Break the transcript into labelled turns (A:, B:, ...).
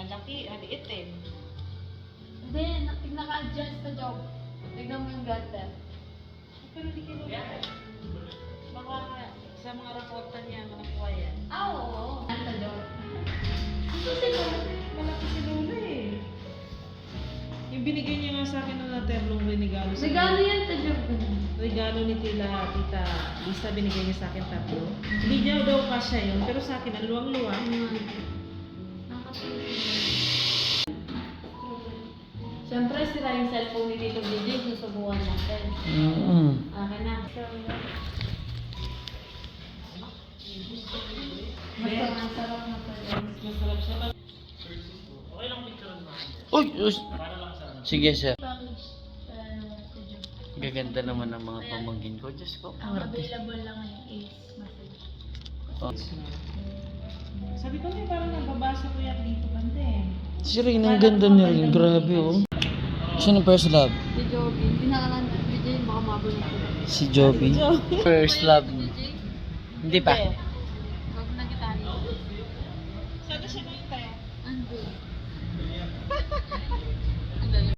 A: Malaki, maliit eh.
B: Hindi, naka-adjust sa job. Tignan mo yung gutter.
A: Pero hindi kayo baka sa mga raporta niya, manakuha yan.
B: Oo. Sa job.
A: Malaki si Lola eh. Yung binigay niya nga sa akin na terlong regalo sa
B: Regalo yan sa job.
A: regalo ni Tita Lisa, binigay niya sa akin 3. Hindi niya daw kasya yun, pero sa akin, ang luwang-luwang.
B: Siyempre, sira yung cellphone ni Tito DJ, susubukan natin. Akin na. Masarap na pala.
A: Masarap siya. Okay lang picture mo.
C: Uy!
A: Para lang sa
C: Sige, sir.
B: Package sa job.
C: Gaganda naman ang mga pamangkin ko. Diyos ko,
B: Ang
C: ang artist.
B: available lang ngayon is message.
C: Oh.
A: Sabi ko, parang nababasa ko yan dito bante.
C: Si Rain, ang ganda niya rin. Grabe, oh. Sino first love?
B: Si Joby. Pinakalan na. DJ, baka mabalik ko.
C: Si Joby. First love. Hindi pa.